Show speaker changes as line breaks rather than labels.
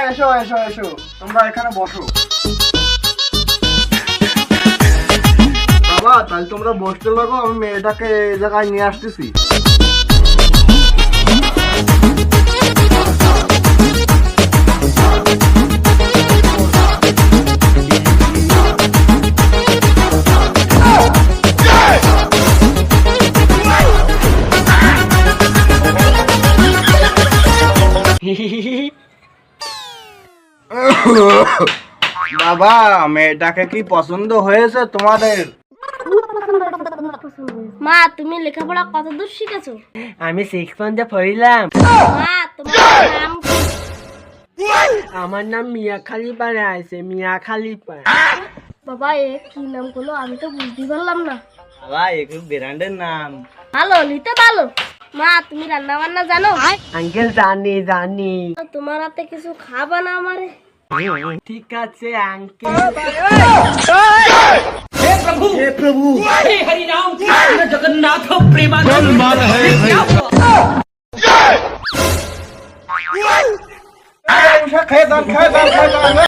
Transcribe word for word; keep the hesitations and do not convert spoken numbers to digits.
এসো এসো এসো, তোমরা এখানে বসো। বাবা তাহলে তোমরা বসতে লাগো, আমি মেয়েটাকে এই জায়গায় নিয়ে আসতেছি। বাবা মেয়েটাকে কি পছন্দ হয়েছে তোমাদের?
মা তুমি লেখাপড়া কত দূর শিখেছো?
আমি সিক্স পয়েন্টে পড়িলাম।
মা তোমার নাম কি?
আমার নাম মিয়া খালিপা আছে, মিয়া খালিপা।
বাবা এ কি নাম করলো আমি তো বুঝতে পারলাম না।
বাবা একটু ব্র্যান্ডের নাম।
ভালো নিতে ভালো। মা তুমি রান্না বান্না জানো?
আঙ্কেল জানি জানি।
তোমার হাতে কিছু খাবা না আমারে?
ঠিক আছে আঙ্কেল।
हे प्रभु हे प्रभु
हे हरि राम कृष्ण जगन्नाथ प्रेमानंद
खेदान खेदान खेदान